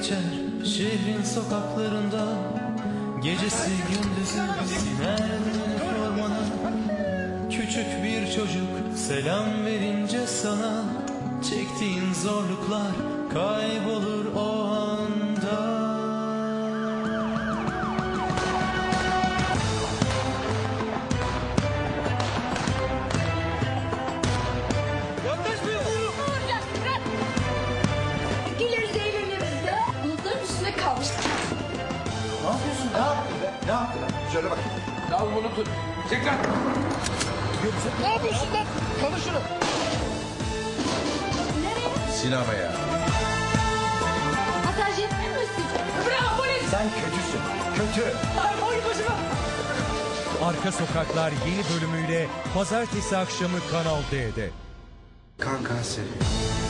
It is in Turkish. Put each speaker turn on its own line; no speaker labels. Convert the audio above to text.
geçer şehrin sokaklarında. Gecesi gündüzü siner üniformana. Küçük bir çocuk selam verince sana, çektiğin zorluklar kaybolur o anda.
Güleriz eğleniriz de. Bulutların üstüne kalmıştık.
Ne yapıyorsun? Ne yaptın be? Ne yaptın? Şöyle bak.
Al bunu tut. Çek lan.
Ne yapıyorsun lan? Kalın şunu.
Nereye?
Sinemaya.
Masaj yapmıyor musun?
Bravo polis.
Sen kötüsün. Kötü.
Ay boy başıma.
Arka Sokaklar yeni bölümüyle pazartesi akşamı Kanal D'de.
Kan kanseri.